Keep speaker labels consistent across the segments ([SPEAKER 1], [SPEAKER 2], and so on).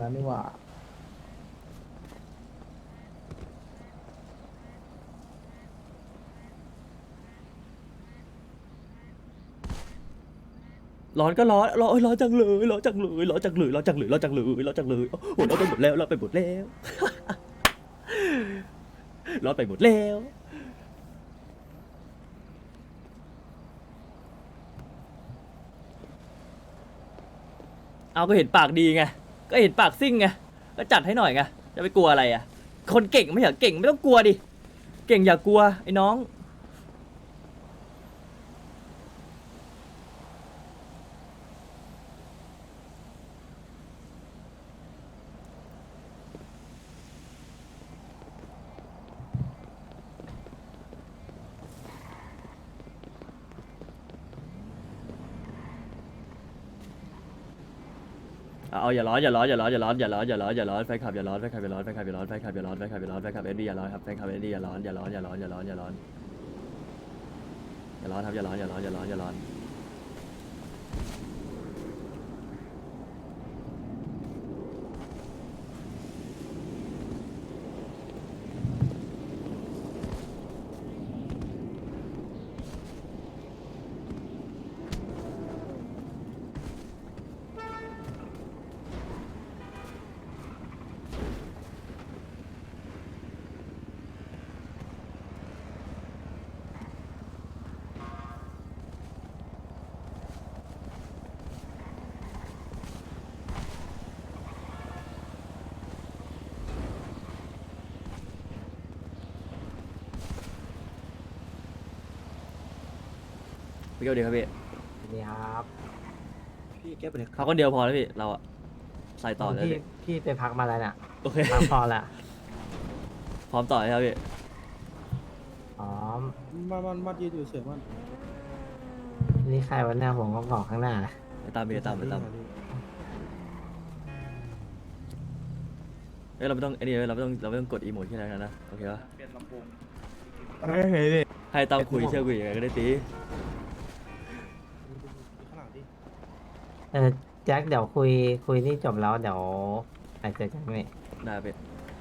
[SPEAKER 1] แล้วนี่หว่า
[SPEAKER 2] ร้อนก็ร้อนร้อนร้อนจังเลยร้อนจังเลยร้อนจังเลยร้อนจังเลยร้อนจังเลยร้อนจังเลยโอ้ร้อนไปหมดแล้วร้อนไปหมดแล้วร้อนไปหมดแล้วเอาก็เห็นปากดีไงก็เห็นปากซิ่งไงก็จัดให้หน่อยไงจะไปกลัวอะไรอ่ะคนเก่งไม่อยากเก่งไม่ต้องกลัวดิเก่งอย่ากลัวไอ้น้องเอาอย่าร้อนอย่าร้อนอย่าร้อนอย่าร้อนอย่าร้อนอย่าร้อนอย่าร้อนแฟนคลับอย่าร้อนแฟนคลับอย่าร้อนแฟนคลับอย่าร้อนแฟนคลับอย่าร้อนแฟนคลับอย่าร้อนแฟนคลับเอ็ดดี้อย่าร้อนครับแฟนคลับเอ็ดดี้อย่าร้อนอย่าร้อนอย่าร้อนอย่าร้อนอย่าร้อนอย่าร้อนครับอย่าร้อนอย่าร้อนอย่าร้อนอย่าร้อนพี่เกลดีครับพี่
[SPEAKER 1] นี่ครับ
[SPEAKER 3] พี่แก้ไปเลยครั
[SPEAKER 2] เขา
[SPEAKER 3] บ
[SPEAKER 2] คนเดียวพอแล้วพี่เราอะใส่ต่อเลย
[SPEAKER 1] พี่
[SPEAKER 2] พี่
[SPEAKER 1] พี่ไปพักมาแล้วน่ะ
[SPEAKER 2] โอเค
[SPEAKER 1] พักพอละ
[SPEAKER 2] พร้อมต่อเลยครับพี่
[SPEAKER 1] อ๋อ
[SPEAKER 3] มันยืนอยู่เฉยมัน
[SPEAKER 1] นี่ใครวันหน้าผมก็บอกข้างหน้า
[SPEAKER 2] ไปตามพี่ไปตามเอ้ยเราไม่ต้องไอ้นี่เราไม่ต้องกดอีโมดที่ไหนกันนะโอเคปะ
[SPEAKER 4] เฮ้ยเฮ้ยดิ
[SPEAKER 2] ให้ตามคุยเชื่อคุยยังไงก็ได้ตี
[SPEAKER 3] ข้างหลังดิ
[SPEAKER 1] แจ็คเดี๋ยวคุยนี่จบแล้วเดี๋ยวอาจจะแจ็คนี่
[SPEAKER 2] ได้พี่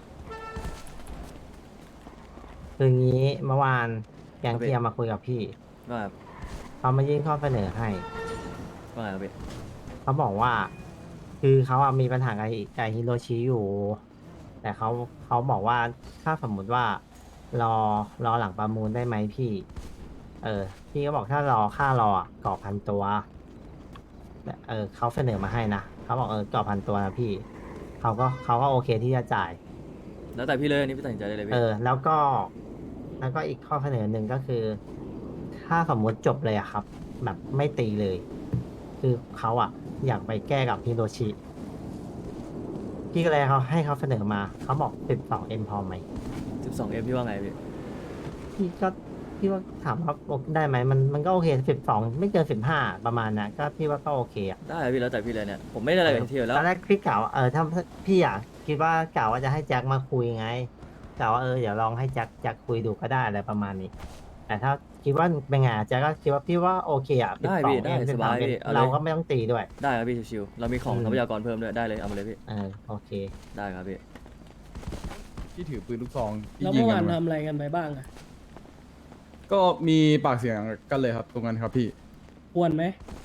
[SPEAKER 1] คืองี้เมื่อวานแกง
[SPEAKER 2] ครับพี่
[SPEAKER 1] เทียมมาคุยกับพี่
[SPEAKER 2] ว่าไงครับ
[SPEAKER 1] เขามายื่นข้อเสนอให้
[SPEAKER 2] ว่าไงครับพี่
[SPEAKER 1] เขาบอกว่า คือเขาอะมีปัญหากับฮิโรชิอยู่ แต่เขาบอกว่าถ้าสมมุติว่ารอหลังประมูลได้ไหมพี่ พี่ก็บอกถ้ารอค่ารออะกรอบพันตัวแต่เขาเสนอมาให้นะเขาบอกกรอบพันตัวนะพี่เขาก็โอเคที่จะจ่าย
[SPEAKER 2] แล้วแต่พี่เลยอันนี้พี่ตัดสินใจได้เลยพี่
[SPEAKER 1] แล้วก็อีกข้อเสนอหนึ่งก็คือ ถ้าสมมติจบเลยอะครับ แบบไม่ตีเลย คือเขาอะอยากไปแก้กับฮิโรชิพี่ก็เลยให้เขาเสนอมาเขาบอก12M พอไหม
[SPEAKER 2] 12M พี่ว่าไงพี่
[SPEAKER 1] พี่ว่าถามว่าได้ไหมมันก็โอเค12ไม่เกิน15ประมาณนะก็พี่ว่าก็โอเคอะ
[SPEAKER 2] ได้พี่แล้วแต่พี่เลยเนี่ยผมไม่ได้อะไรกับที่อยู่แล้ว
[SPEAKER 1] ตอนแรกพี่กล่าวว่าถ้าพี่อะคิดว่ากล่าวว่าจะให้แจ็คมาคุยไงกล่าวว่าเดี๋ยวลองให้แจ็คคุยดูก็ได้อะไรประมาณนี้ แต่ถ้าคิดว่าเป็นไงแจ็คก็คิดว่าพี่ว่าโอเคอะ
[SPEAKER 2] ได้พี่ได้สบายพี่เอาเลย
[SPEAKER 1] เราก็ไม่ต้องตีด้วย
[SPEAKER 2] ได้ครับพี่ชิวๆเรามีของทรัพยากรเพิ่มด้วยได้เลยเอามาเลยพี่
[SPEAKER 1] โอเค
[SPEAKER 2] ได้ครับพี่
[SPEAKER 4] ที่ถือปืนลูกซองที่
[SPEAKER 5] แล้ว
[SPEAKER 4] ยิง
[SPEAKER 5] เมื่อ
[SPEAKER 4] กั
[SPEAKER 5] วาน
[SPEAKER 4] นมา
[SPEAKER 5] ทำอะไรกันไปบ้างอะ
[SPEAKER 4] ก็มีปากเสียงกันเลยครับ ตรงนั้นครับพี่
[SPEAKER 5] ควรไหม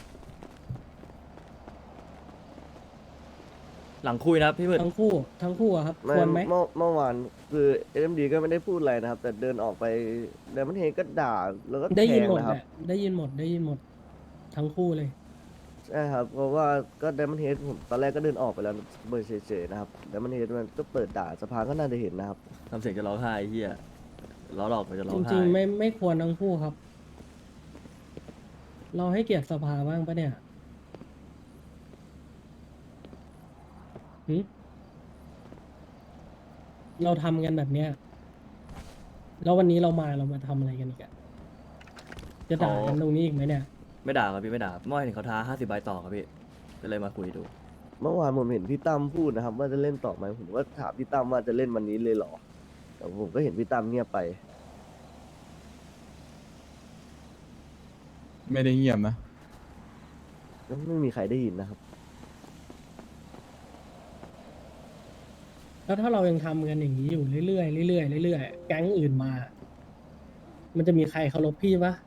[SPEAKER 2] หลังคุยนะครับพี่มืด
[SPEAKER 5] ทั้งคู่อะครับ
[SPEAKER 6] ไม่
[SPEAKER 5] ควรไหม
[SPEAKER 6] เมื่อวานคือเอ็มดีก็ไม่ได้พูดอะไรนะครับ แต่เดินออกไปเดมอนเฮก็ด่าแล้วก็
[SPEAKER 5] ได้
[SPEAKER 6] แท
[SPEAKER 5] ยิน
[SPEAKER 6] ง
[SPEAKER 5] หมด
[SPEAKER 6] นะครับ
[SPEAKER 5] แหละได้ยินหมด ทั้งคู่เลย
[SPEAKER 6] ใช่ครับ เพราะว่าก็เดมอนเฮดผมตอนแรกก็เดินออกไปแล้วเบอร์เฉยๆนะครับเดมอนเฮดมันก็เปิดด่าสภาก็น่าจะเห็นนะครับ
[SPEAKER 2] ทำเสียงจะร้องไห้ไอ้เฮียล้อหลอกมันจะร้อ
[SPEAKER 5] จ
[SPEAKER 2] งไห้
[SPEAKER 5] ริงๆไม่ควรทั้งคู่ครับ เราให้เกียรติสภาบ้างปะเนี่ยหึเราทำกันแบบเนี้ยแล้ววันนี้เรามาทำอะไรกันอีกอะจะด่ากันตรงนี้อีกไหมเนี่ย
[SPEAKER 2] ไม่ด่าครับพี่ไม่ด่าเมื่อวานเห็นเขาท้า50 ใบต่อครับพี่ก็เลยมาคุยดู
[SPEAKER 6] เมื่อวานผมเห็นพี่ตั้มพูดนะครับ ว่าจะเล่นต่อไหมผมก็ถามพี่ตั้มว่าจะเล่นวันนี้เลยเหรอแต่ผมก็เห็นพี่ตั้มเงียบไป
[SPEAKER 4] ไม่ได้เงียบนะ
[SPEAKER 6] ก็ไม่มีใครได้ยินนะครับ
[SPEAKER 5] แล้วถ้าเรายังทำกันอย่างนี้อยู่เรื่อยๆเรื่อยๆเรื่อยๆแก๊งอื่นมา มันจะมีใครเคารพพี่ปะ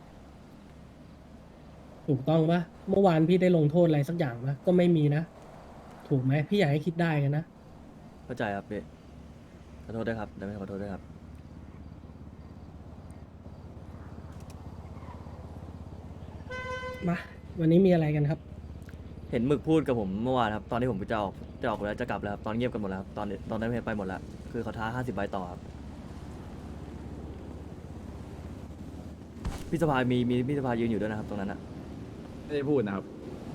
[SPEAKER 5] ถูกต้องปะเมื่อวานพี่ได้ลงโทษอะไรสักอย่างปะก็ไม่มีนะ ถูกไหมพี่อยากให้คิดได้กันนะ
[SPEAKER 2] เข้าใจครับพี่ขอโทษด้วยครับเดี๋ยวไม่ขอโทษด้วยครับ
[SPEAKER 5] มาวันนี้มีอะไรกันครับ
[SPEAKER 2] เห็นหมึกพูดกับผมเมื่อวานครับตอนที่ผมจะออกแล้วจะกลับแล้วครับตอนเงียบกันหมดแล้วครับตอนนั้นไปหมดแล้วคือเขาท้า50 ใบต่อครับพี่สภามีพี่สภายืนอยู่ด้วยนะครับตรงนั้นอะ
[SPEAKER 4] ไม่ได้พูดนะครับ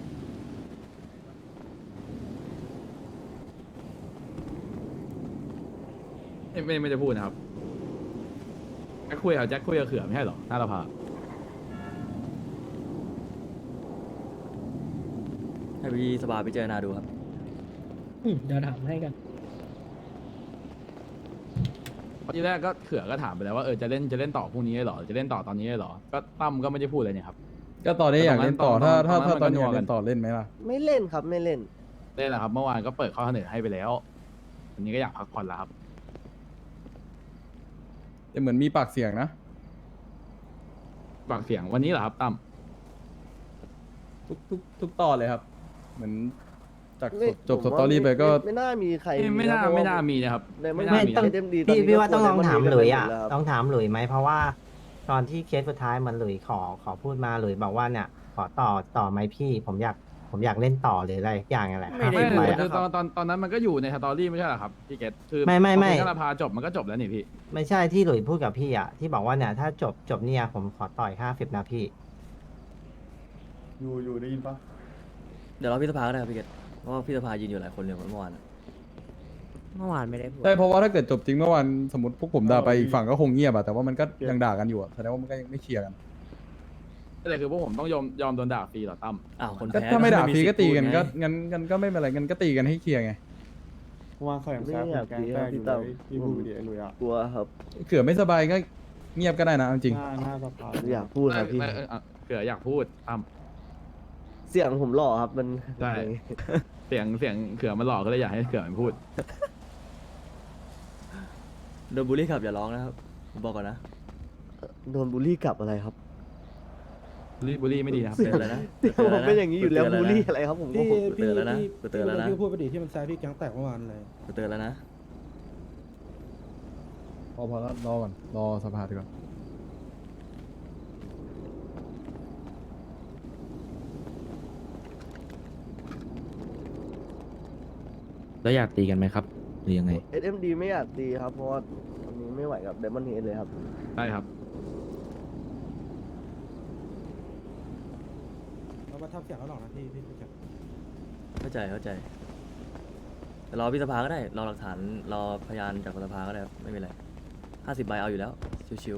[SPEAKER 4] ไม่ได้พูดนะครับแจ็คคุยกับเขื่อไม่ใช่เหรอหน้าสภา
[SPEAKER 2] ให้พี่สภาพิจารณาดูครับ
[SPEAKER 5] เดี๋ยวถามให้กัน
[SPEAKER 4] ทีแรกก็เขื่อก็ถามไปแล้วว่าจะเล่นต่อพรุ่งนี้เหรอจะเล่นต่อตอนนี้เหรอก็ตั้มก็ไม่ได้พูดเลยเนี่ยครับ
[SPEAKER 7] ก็ตอนนี้อยากเล่นต่อ
[SPEAKER 4] ตอนนั้น
[SPEAKER 7] ถ้า
[SPEAKER 4] ตอนนั้น
[SPEAKER 7] ตอนนี้
[SPEAKER 4] มันก็นัว
[SPEAKER 7] อยาก
[SPEAKER 4] กั
[SPEAKER 7] เล่
[SPEAKER 4] น
[SPEAKER 7] นต่อเล่นไหมล่ะ
[SPEAKER 6] ไม่เล่นครับไม่เล่น
[SPEAKER 4] เล่นแหละครับเมื่อวานก็เปิดข้อเสนอให้ไปแล้ววันนี้ก็อยากพักผ่อนแล้วครับ
[SPEAKER 7] แต่เหมือนมีปากเสียงนะ
[SPEAKER 4] ฝากเสียงวันนี้เหรอครับตั้ม
[SPEAKER 7] ทุกตอนเลยครับ เหมือนจาก
[SPEAKER 6] ไม่
[SPEAKER 7] จบ
[SPEAKER 6] ผม
[SPEAKER 7] ส
[SPEAKER 6] ว่า
[SPEAKER 7] ตอรี่ไปก็
[SPEAKER 6] ไม่น่ามีใคร
[SPEAKER 4] ไม่น่า
[SPEAKER 6] ะเพระว่
[SPEAKER 4] ไม่น่ามีนะครับ
[SPEAKER 6] ในไม่
[SPEAKER 4] ไม่
[SPEAKER 6] น่า
[SPEAKER 4] น่า
[SPEAKER 6] มี
[SPEAKER 4] มี
[SPEAKER 1] ต้อง
[SPEAKER 6] เอ็มดี
[SPEAKER 1] พี่ว่าต้องลองถามหลุยอ่ะ
[SPEAKER 6] แล้วครับ
[SPEAKER 1] ต้องถามหลุยไหมเพราะว่าตอนที่เคสสุดท้ายมันหลุยขอพูดมาหลุยบอกว่าเนี่ย ขอต่อไหมพี่ผมอยากเล่นต่อหรืออะไรอย่างนั่นแหละ
[SPEAKER 2] ไม่ได้
[SPEAKER 4] ไม่
[SPEAKER 1] 50 ใบ
[SPEAKER 4] คื
[SPEAKER 1] อะ
[SPEAKER 4] อตอนนั้นมันก็อยู่ในสตอรี่ไม่ใช่เหรอครับพี่เกตคือ
[SPEAKER 1] ไม่
[SPEAKER 4] พอสภาจบมันก็จบแล้วนี่พี่
[SPEAKER 1] ไม่ใช่ที่หลุยพูดกับพี่อ่ะที่บอกว่าเนี่ยถ้าจบเนี่ยผมขอต่อย50นะพี่
[SPEAKER 7] อยู่ได้ยินปะ
[SPEAKER 2] เดี๋ยวรอพี่สภาก็ได้ครับพี่เกตเพราะว่าพี่สภายืนอยู่หลายคนเลยเมื่อวานอะ
[SPEAKER 8] เมื่อวานไม่ได้พูด
[SPEAKER 7] ใช่เพราะว่าถ้าเกิดจบจริงเมื่อวานสมมติพวกผมด่าไปอีกฝั่งก็คงเงียบอะแต่ว่ามันก็ยังด่ากันอยู่อะแสดงว่ามันก็ยังไม่เคลียร์กัน
[SPEAKER 4] แต่คือพวกผมต้องยอมโดนด่าฟรีเหรอตั้ม
[SPEAKER 2] อ้าวคน
[SPEAKER 7] ก็
[SPEAKER 2] แพ้
[SPEAKER 7] ถ้าไม่ด่าฟรี
[SPEAKER 2] สิท
[SPEAKER 7] ก็
[SPEAKER 2] ธิ์
[SPEAKER 7] ตี
[SPEAKER 2] พูด
[SPEAKER 7] กัน
[SPEAKER 2] ไง
[SPEAKER 7] ก็งั้นก็ไม่เป็นไรงั้นก็ตีกันให้เคลียร์ไง
[SPEAKER 3] วางเขาอย่าง
[SPEAKER 6] ไม่
[SPEAKER 3] แซ่บ
[SPEAKER 6] อยาก
[SPEAKER 3] แก
[SPEAKER 6] ดี
[SPEAKER 3] ง
[SPEAKER 6] ค
[SPEAKER 3] แป้
[SPEAKER 6] รับ
[SPEAKER 3] งอยู่
[SPEAKER 6] พี่
[SPEAKER 3] เล
[SPEAKER 6] ตั้ม
[SPEAKER 3] ยพี่พูดดิไอ้ลุยอ่ะ
[SPEAKER 6] กลัวครับ
[SPEAKER 7] เขื่อไม่สบายก็เงียบก็ได้นะเอาจริง
[SPEAKER 3] หน้าสภา
[SPEAKER 6] อยากพูดครับพี่
[SPEAKER 4] เผื่ออยากพูดตั้ม
[SPEAKER 6] เสียงผมหล่อครับมัน
[SPEAKER 4] ใช่ เสียงเขื่อมันหลอกก็เลยอยากให้เขื่อมันพูด
[SPEAKER 2] โดนบูลลี่ครับอย่าร้องนะครับผมบอกก่อนนะ
[SPEAKER 6] โดนบูลลี่กลับอะไรครับ
[SPEAKER 4] บุรีไม่ดีนะครับ
[SPEAKER 2] เตือนแล้วนะ
[SPEAKER 6] ผมเป็นอย่างนี้อยู่แล้ว
[SPEAKER 2] เตื
[SPEAKER 6] บู
[SPEAKER 2] น
[SPEAKER 6] ลลี่อะไรครับผมก็
[SPEAKER 3] พี่
[SPEAKER 2] กูเตือนแล้วนะกูเตือนแล้วนะ
[SPEAKER 3] พี่พูดไปดิที่มันแซ่บพี่แกงแตกเมื่อวานเลย
[SPEAKER 2] เตือนแล้วนะ
[SPEAKER 7] พอแล้วรอก่อนรอสภาดีกว่า
[SPEAKER 9] แล้วอยากตีกันไหมครับ หรือยังไง
[SPEAKER 6] SMD ไม่อยากตีครับเพราะว่าวันนี้ไม่ไหวกับเดมอนเฮดเลยครับ
[SPEAKER 4] ใช่ครับ
[SPEAKER 3] เรามาทำเสียงแล้วหรอกนะพี่แก
[SPEAKER 2] เข้าใจแต่รอพี่สภาก็ได้รอหลักฐานรอพยานจากสภาก็ได้ครับไม่เป็นไร50 ใบเอาอยู่แล้วชิว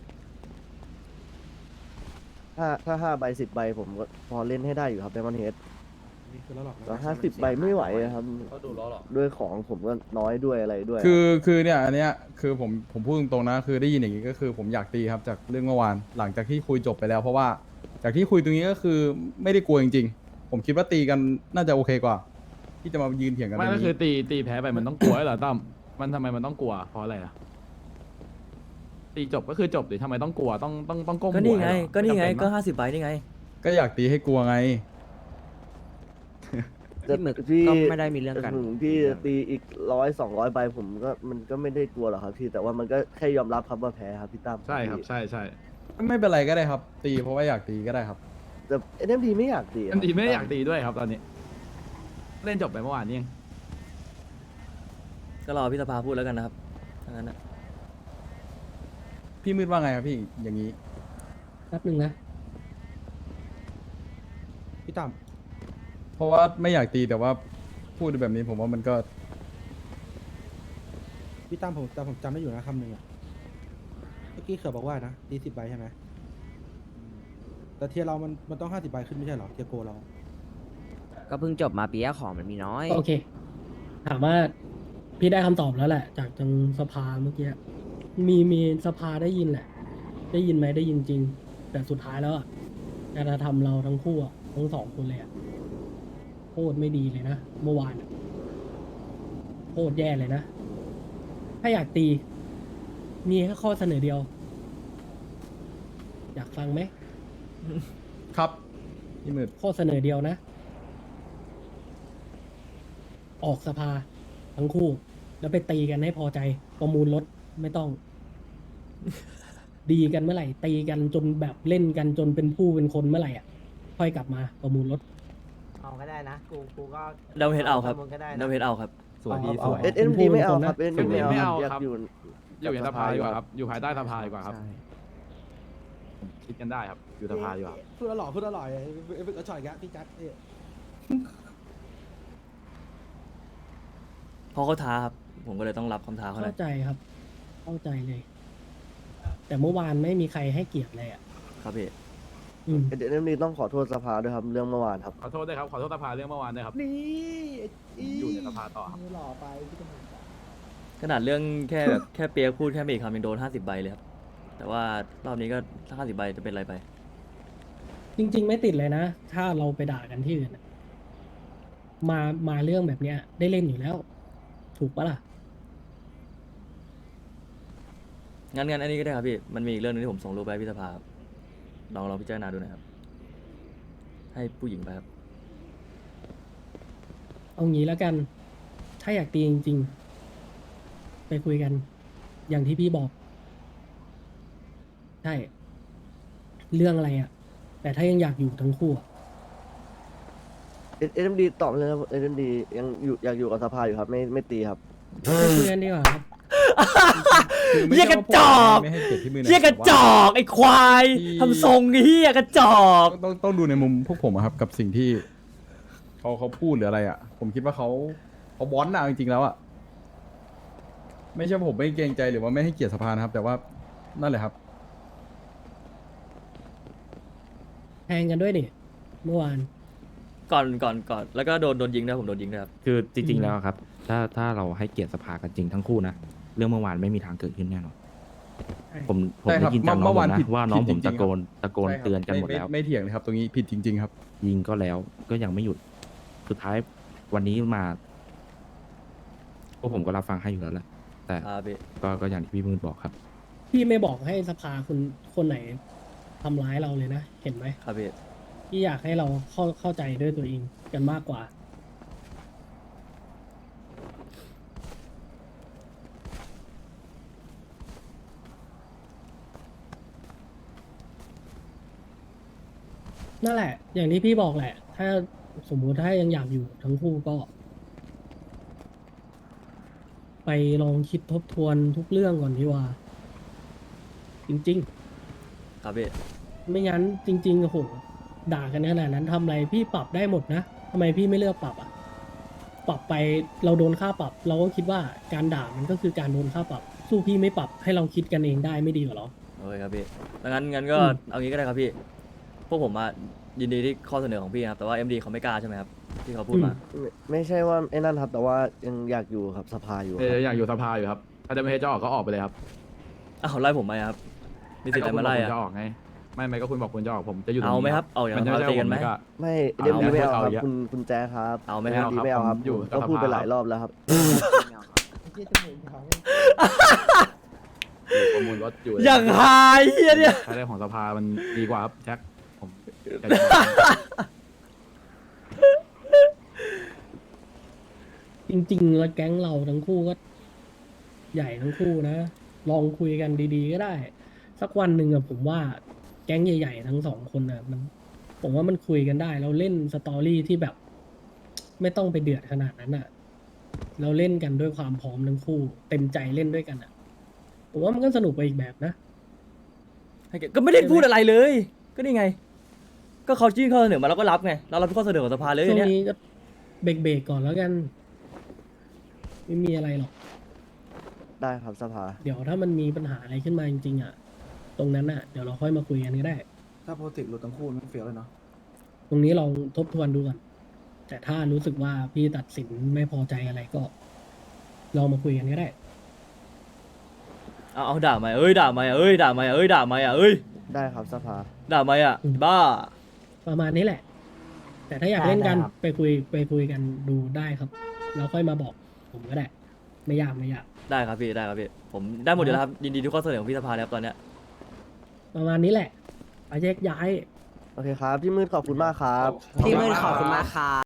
[SPEAKER 6] ถ้า5 ใบ 10 ใบผมก็พอเล่นให้ได้อยู่ครับเดมอนเฮด
[SPEAKER 3] นี่คือแล้วหรอก
[SPEAKER 6] แต่50 ใบไม่ไหวอะครับ
[SPEAKER 2] เขาดูล้อหรอ
[SPEAKER 6] ด้วยของผมก็น้อยด้วยอะไรด้วย
[SPEAKER 7] คือเนี่ยอันเนี้ยคือผมพูดตรงๆนะคือได้ยินอย่างนี้ก็คือผมอยากตีครับจากเรื่องเมื่อวานหลังจากที่คุยจบไปแล้ว เพราะว่าจากที่คุยตรงนี้ก็คือไม่ได้กลัวจริงๆผมคิดว่าตีกันน่าจะโอเคกว่า ที่จะมายืนเถียงกัน
[SPEAKER 4] ไม่
[SPEAKER 7] ตรง
[SPEAKER 4] ก็คือ
[SPEAKER 7] นี้
[SPEAKER 4] ตีแพ้ไปมันต้องกลัวเหรอตั้มมันทำไมมันต้องกลัวเพราะอะไรอ่ะตีจบก็คือจบดิทำไมต้องกลัวต้องก้ม
[SPEAKER 2] ก็
[SPEAKER 4] หั
[SPEAKER 2] นี่
[SPEAKER 4] ว
[SPEAKER 2] ไง
[SPEAKER 4] เหรอ
[SPEAKER 2] ก็นี่ไง
[SPEAKER 4] ม่จำเป็
[SPEAKER 2] ก็
[SPEAKER 4] ปะ
[SPEAKER 2] 50 ใบนี่ไง
[SPEAKER 7] ก็อยากตีให้กลัวไง
[SPEAKER 8] พี่หมึก
[SPEAKER 6] พี่
[SPEAKER 8] ก็ไม่ได้มีเรื่องกัน
[SPEAKER 6] ถึงพี่จะตีอีก100-200 ใบผมก็มันก็ไม่ได้กลัวหรอกครับพี่แต่ว่ามันก็แค่ยอมรับครับว่าแพ้ครับพี่ตั้ม
[SPEAKER 4] ใช่ครับใช่
[SPEAKER 7] ไม่เป็นไรก็ได้ครับ ตีเพราะว่าอยากตีก็ได้ครับ
[SPEAKER 6] แต่ SMD ไม่อยากตี
[SPEAKER 4] อันดีไม่ได้อยากตีด้วยครับตอนนี้ เล่นจบไปเมื่อวานนี่เอง
[SPEAKER 2] ก็รอพี่สภาพูดแล้วกันนะครับถ้างั้นนะ
[SPEAKER 7] พี่มืดว่าไงครับพี่อย่างนี้
[SPEAKER 5] แป๊บหนึ่งนะ
[SPEAKER 3] พี่ตั้ม
[SPEAKER 7] เพราะว่าไม่อยากตีแต่ว่าพูดแบบนี้ผมว่ามันก็
[SPEAKER 3] พี่ตั้มผมจำได้อยู่นะคำหนึ่งอ่ะเมื่อกี้เขือบอกว่านะตี10 ใบใช่ไหมแต่เทียร์เรามันต้อง50 ใบขึ้นไม่ใช่เหรอเทียร์โกเรา
[SPEAKER 8] ก็เพิ่งจบมาปีแรกของมันมีน้อย
[SPEAKER 5] โอเค ถามว่าพี่ได้คำตอบแล้วแหละ จากทางสภาเมื่อกี้มีสภาได้ยินแหละ ได้ยินไหมได้ยินจริง แต่สุดท้ายแล้วอ่ะการกระทำเราทั้งคู่อะทั้งสองคนเลยอ่ะโคตรไม่ดีเลยนะเมื่อวานอะคตรแย่เลยนะ ถ้าอยากตี มีแค่ข้อเสนอเดียว อยากฟังไหม
[SPEAKER 7] ครับพี่มืด
[SPEAKER 5] ข้อเสนอเดียวนะ ออกสภาทั้งคู่ แล้วไปตีกันให้พอใจ ประมูลรถไม่ต้อง ดีกันเมื่อไหร่ ตีกันจนแบบเล่นกันจนเป็นผู้เป็นคนเมื่อไหร่อ่ะ ค่อยกลับมาประมูลรถ
[SPEAKER 1] เอาก็ได้นะ กูก็
[SPEAKER 2] เดาเฮดเอาครับ
[SPEAKER 1] ประมูลก็ได้นะ
[SPEAKER 2] เดาเฮดเอาครับ
[SPEAKER 4] สวยพี่สวย
[SPEAKER 6] เอ็นดีไม่เอา
[SPEAKER 5] เป็นผู้
[SPEAKER 6] ครับเอ็นดีไม่เอา
[SPEAKER 4] ไม่
[SPEAKER 6] ครั
[SPEAKER 4] เอา
[SPEAKER 6] บอยา
[SPEAKER 4] ครั
[SPEAKER 6] ก
[SPEAKER 4] บ
[SPEAKER 6] อยู่
[SPEAKER 4] อยู่ในสภาดีกว่าครับ อยู่ภายใต้สภาดีกว่าครับ
[SPEAKER 8] ใช่
[SPEAKER 4] คิดกันได้ครับ อยู่สภาดีกว่า
[SPEAKER 3] พูดอร่อยพูดอร่อยเอฟชอยแกพี่จัดเนี่ย
[SPEAKER 2] เพราะเขาท้าครับ ผมก็เลยต้องรับคำท้าเขาหน่
[SPEAKER 5] เข้า
[SPEAKER 2] อย
[SPEAKER 5] ใจครับ เข้าใจเลย แต่เมื่อวานไม่มีใครให้เกียรติเลยอ่ะ
[SPEAKER 2] ครับพี่
[SPEAKER 5] อืม
[SPEAKER 6] เอ็นดีต้องขอโทษสภาด้วยครับเรื่องเมื่อวานครับ
[SPEAKER 4] ขอโทษด้วยครับ ขอโทษสภาเรื่องเมื่อวานด้วยครับ
[SPEAKER 3] นี่
[SPEAKER 4] อยู่ในสภาต่อครับ
[SPEAKER 3] หล่อไปพี่ตำรวจ
[SPEAKER 2] ขนาดเรื่องแค่แบบแค่เปียกพูดแค่ไม่กี่คำยังโดน50 ใบเลยครับ แต่ว่ารอบนี้ก็ถ้า50 ใบจะเป็นอะไรไป
[SPEAKER 5] จริง ๆ ไม่ติดเลยนะ ถ้าเราไปด่ากันที่อื่นอะมาเรื่องแบบเนี้ย ได้เล่นอยู่แล้ว ถูกปะล่ะ
[SPEAKER 2] งั้นอันนี้ก็ได้ครับพี่ มันมีอีกเรื่องนึงที่ผมส่งรูปไปให้พี่สภาครับลองพิจารณาดูหน่อยครับ ให้ผู้หญิงไปครับ
[SPEAKER 5] เอางี้แล้วกัน ถ้าอยากตีจริง ๆ ไปคุยกัน อย่างที่พี่บอก ใช่ เรื่องอะไรอ่ะ แต่ถ้ายังอยากอยู่ทั้งคู่อะ
[SPEAKER 6] เอ็นดีตอบเลยครับเอ็นดียังอยู่อยากอยู่กับสภาอยู่ครับไม่ตีครับ
[SPEAKER 5] ไปคุยกันดีกว่าครับ
[SPEAKER 7] คือไม่
[SPEAKER 2] เหี้ย
[SPEAKER 7] ใช่
[SPEAKER 2] กระ
[SPEAKER 7] ว่าผม
[SPEAKER 2] จอก
[SPEAKER 7] ไม่ให้เกียรติพี่มืดนะ
[SPEAKER 2] เฮียกระจอกไอ้ควาย
[SPEAKER 7] ที่
[SPEAKER 2] ทำทรงเฮียกระจอก
[SPEAKER 7] ต้องดูในมุมพวกผมอะครับ กับสิ่งที่เขาพูดหรืออะไรอะผมคิดว่าเขาบอสนะจริงๆแล้วอะไม่ใช่ว่าผมไม่เกรงใจหรือว่าไม่ให้เกียรติสภานะครับ แต่ว่านั่นแหละครับ
[SPEAKER 5] แทงกันด้วยดิเมื่อวาน
[SPEAKER 2] ก่อนแล้วก็โดนยิงด้วยผมโดนยิงด้วยครับ
[SPEAKER 9] คือจริง ๆ แล้วครับ ถ้าเราให้เกียรติสภากันจริงทั้งคู่นะ เรื่องเมื่อวานไม่มีทางเกิดขึ้นแน่นอน
[SPEAKER 5] ใช่
[SPEAKER 9] ผม
[SPEAKER 7] ใช่ครั
[SPEAKER 9] ได้
[SPEAKER 7] บ
[SPEAKER 9] ยินจากน้
[SPEAKER 7] เมื่
[SPEAKER 9] อง
[SPEAKER 7] อ
[SPEAKER 9] ผ
[SPEAKER 7] วาน
[SPEAKER 9] มนะ
[SPEAKER 7] ผิด
[SPEAKER 9] ว่าน้อง
[SPEAKER 7] ผิ
[SPEAKER 9] ผ
[SPEAKER 7] ด
[SPEAKER 9] ม
[SPEAKER 7] จริงๆ
[SPEAKER 9] ตะโกน
[SPEAKER 7] ใช่ครับ
[SPEAKER 9] เตือนกันหมด
[SPEAKER 7] ไ
[SPEAKER 9] แล้ว
[SPEAKER 7] ไม่เถียงเลยครับ ตรงนี้ผิดจริง ๆ ครับ
[SPEAKER 9] ยิงก็แล้วก็ยังไม่หยุด สุดท้ายวันนี้มาพวกผมก็รับฟังให้อยู่แล้วแหละ แต่
[SPEAKER 2] ครับพี่
[SPEAKER 9] ก็อย่างที่พี่มืดบอกครับ
[SPEAKER 5] พี่ไม่บอกให้สภาคนไหนทำร้ายเราเลยนะ เห็นไหม
[SPEAKER 2] ครับพี่
[SPEAKER 5] พี่อยากให้เราเข้าใจด้วยตัวเองกันมากกว่า นั่นแหละ อย่างที่พี่บอกแหละ ถ้าสมมุติถ้ายังอยากอยู่ทั้งคู่ก็ ไปลองคิดทบทวนทุกเรื่องก่อนดีกว่า จริง
[SPEAKER 2] ครับพี่
[SPEAKER 5] ๆ ไม่งั้นจริงๆโอ้โหด่ากันขนาดนั้นทำอะไรพี่ปรับได้หมดนะทำไมพี่ไม่เลือกปรับอ่ะ ปรับไปเราโดนค่าปรับ เราก็คิดว่าการด่ามันก็คือการโดนค่าปรับ สู้พี่ไม่ปรับให้เราคิดกันเองได้ไม่ดีกว่าหรอ
[SPEAKER 2] โอเคครับพี่แล้วงั้นก็
[SPEAKER 5] อืม
[SPEAKER 2] เอางี้ก็ได้ครับพี่ พวกผมอะยินดีที่ข้อเสนอของพี่นะครับ แต่ว่า MD เขาไม่กล้าใช่ไหมครับ ที่เขาพูดมา
[SPEAKER 6] ไม่ใช่ว่าไอ้นั่นครับ แต่ว่ายังอยากอยู่ครับสภาอยู่ค
[SPEAKER 4] เอ
[SPEAKER 6] รับ
[SPEAKER 4] ออยากอยู่สภาอยู่ครับ ถ้าจะไม่ให้เจ้าออกก็ออกไปเลยครับ
[SPEAKER 2] อ้าวไล่ผมไหมครับ มีสิทธิ์อะไรมาไล่
[SPEAKER 4] คุณบ
[SPEAKER 2] อะ
[SPEAKER 4] อกคุณจะออกไง ไม่ก็คุณบอกคุณจะออกผมจะอยู่ตรง
[SPEAKER 2] เอา
[SPEAKER 4] นี้
[SPEAKER 2] ไหมครับ เอาอย่าง
[SPEAKER 4] มัน
[SPEAKER 2] นั้น
[SPEAKER 4] จะ
[SPEAKER 2] เราตีกันไหม
[SPEAKER 4] ก็
[SPEAKER 6] ไม่เอ็นดีไม่เอาครับ
[SPEAKER 4] เอา
[SPEAKER 6] คุณแจ๊คครับ
[SPEAKER 2] เอาไหม
[SPEAKER 6] เอ็
[SPEAKER 2] ครับ
[SPEAKER 6] นดีไม่เอาครับ
[SPEAKER 4] ผมอยู่กับ
[SPEAKER 6] ก็พูดไป
[SPEAKER 4] สภา
[SPEAKER 6] หลายรอบแล้วครับ
[SPEAKER 4] ประมูลรถอยู่
[SPEAKER 2] อย่างหายเฮียเนี่ย
[SPEAKER 4] ใช้ได้ของสภามันดีกว่าครับแจ็คผมอยากจะ
[SPEAKER 5] จริงๆ แล้วแก๊งเราทั้งคู่ก็ใหญ่ทั้งคู่นะ ลองคุยกันดีๆ ก็ได้ สักวันหนึ่งอะผมว่าแก๊งใหญ่ๆ ทั้งสองคนอะผมว่ามันคุยกันได้ เราเล่นสตอรี่ที่แบบ ไม่ต้องไปเดือดขนาดนั้นอะเราเล่นกันด้วยความพร้อมทั้งคู่ เต็มใจเล่นด้วยกันอะผมว่ามันก็สนุกไปอีกแบบนะ
[SPEAKER 2] ก็ไม่ได้พูดอะไรเลย ก็นี่ไง ก็เขายื่นข้อเสนอมาเราก็รับไง เรารับข้อเสนอของสภาเลย
[SPEAKER 5] ช่วง
[SPEAKER 2] เนี่ย
[SPEAKER 5] นี้ก็เบรกๆก่อนแล้วกัน ไม่มีอะไรหรอก
[SPEAKER 6] ได้ครับสภา
[SPEAKER 5] เดี๋ยวถ้ามันมีปัญหาอะไรขึ้นมาจริงๆอะตรงนั้นอะเดี๋ยวเราค่อยมาคุยกันก็ได้
[SPEAKER 3] ถ้าโปรเจกต์หลุดทั้งคู่มันเฟี้ยวเลยเนาะ
[SPEAKER 5] ตรงนี้ลองทบทวนดูก่อน แต่ถ้ารู้สึกว่าพี่ตัดสินไม่พอใจอะไรก็ลองมาคุยกันก็ได้
[SPEAKER 2] เอาด่าไหมด่าไหมด่าไหมด่าไหม
[SPEAKER 6] ได้ครับสภา
[SPEAKER 2] ด่าไหมอ่ะ
[SPEAKER 5] อืม
[SPEAKER 2] บ้า
[SPEAKER 5] ประมาณนี้แหละ แต่ถ้าอยากเล่นกัน
[SPEAKER 1] ได้ครับ
[SPEAKER 5] ไปคุยกันดูได้ครับ แล้วค่อยมาบอกผมก็ได้ไม่ยากไม่ยาก
[SPEAKER 2] ได้ครับพี่ได้ครับพี่ผมได้หมดอยู่แล้วครับยินดีทุกข้อเสนอของพี่สภาเลยครับตอนเนี้ย
[SPEAKER 5] ประมาณนี้แหละไปแยกย้าย
[SPEAKER 6] โอเคครับพี่มืดขอบคุณมากครับ
[SPEAKER 8] พี่มืดขอบคุณมากครับ